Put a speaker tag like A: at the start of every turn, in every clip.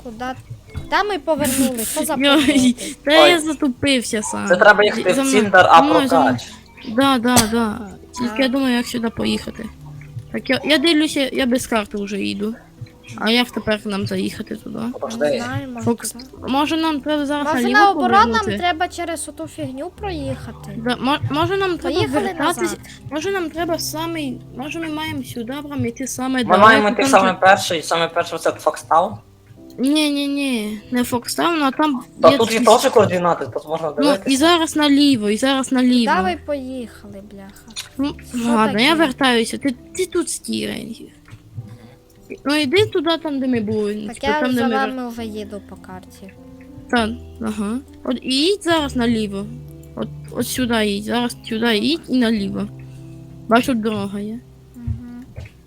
A: Куди? Де ми повернули? Що за
B: Йой,
A: повороти?
B: та
C: Ой.
B: я затупився сам.
C: Це треба їхати
B: За
C: в
B: мною-
C: Ціндер,
B: за
C: а
B: мною, за мною.
C: прокач.
B: Да. Тільки я думаю, як сюди поїхати. Так, я дивлюся, я без карти вже їду. А як тепер нам заїхати туди?
A: Не
C: Подожди.
A: знаю, може
B: Фокс,
A: туди.
B: може нам треба зараз
A: Може
B: наліво
A: наоборот нам
B: повернути?
A: треба через оту фігню проїхати.
B: Да, може нам треба
A: Поїхали
B: вертатись,
A: назад.
B: може нам треба самий, може ми маємо сюди прям йти саме
C: Ми маємо йти саме перший це Фокстаун.
B: Ні, не Фокстаун, а там
C: Та тут є
B: якісь-
C: теж координати, тут можна
B: Ну,
C: дивитися.
B: і зараз наліво.
A: Давай поїхали, бляха.
B: Ну,
A: Що
B: ладно,
A: таке?
B: я вертаюся, ти тут стій, Ренгі. Ну йди туди, там, де ми були.
A: Так
B: типу,
A: я
B: там, де
A: за
B: ми
A: вами вже їду по карті.
B: Ага. От і їдь зараз наліво. От сюди їдь, зараз сюди їдь і наліво. Бачу, тут дорога є.
A: Угу.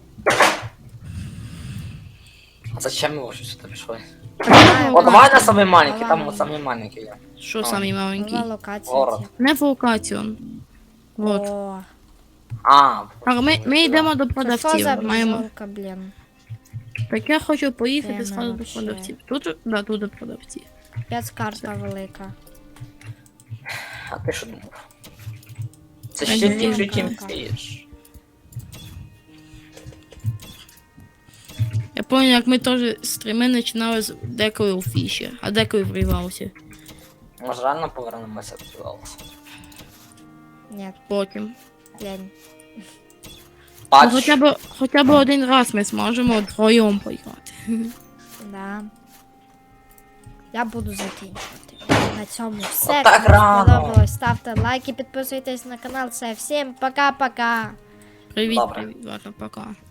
C: А зачем ми вже сюди пішли?
A: Знаю,
C: О, давай на
A: бачу.
C: самий маленький,
A: Давай.
C: там от самий маленький є.
B: Що самий маленький?
A: Нова локація.
C: Город.
A: типу.
B: Не в локацію. Вот.
A: О,
C: А,
B: Так, ми йдемо до
A: це що за
B: продавців. Маємо.
A: бджолка, блін?
B: Так я хочу поїхати
A: Тема
B: зразу до
A: вообще.
B: продавців. Тут до продавців.
A: Спецкарта велика.
C: А ти що думав? Це
B: Та
C: ще
B: ні,
C: ліпше,
A: так.
C: чим фіш.
B: Я пам'ятаю, як ми теж стріми починали з деколи у фіші, а деколи вривався.
C: Може реально повернемося до Лауса?
A: Ні,
B: Потім.
A: лень.
B: Ну,
C: Бач,
B: хоча б один раз ми зможемо вдвоєм поіграти.
A: Да. Я буду закінчувати. На цьому все.
C: Отак
A: Кому
C: рано.
A: сподобалось, ставте лайки, підписуйтесь на канал. Все, всім пока-пока.
B: Привіт,
C: Добре.
B: ладно, пока.